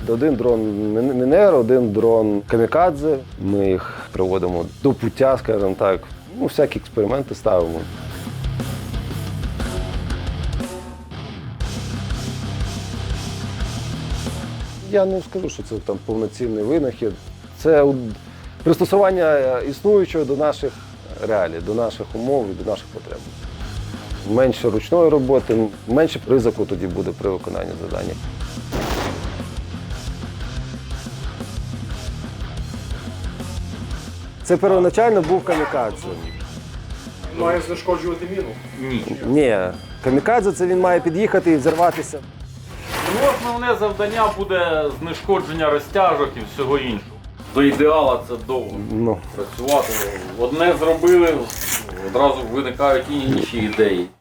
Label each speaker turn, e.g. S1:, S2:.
S1: Один дрон Мінер, один дрон Камікадзе. Ми їх приводимо до пуття, скажімо так. Ну, всякі експерименти ставимо. Я не скажу, що це там повноцінний винахід. Це пристосування існуючого до наших реалій, до наших умов і до наших потреб. Менше ручної роботи, менше ризику тоді буде при виконанні завдання. Це первоначально був камікадзе.
S2: Має знешкоджувати міну?
S1: Ні, камікадзе – це він має під'їхати і взірватися.
S3: Ну, основне завдання буде знешкодження розтяжок і всього іншого. До ідеала це довго працювати. Одне зробили, одразу виникають і інші ідеї.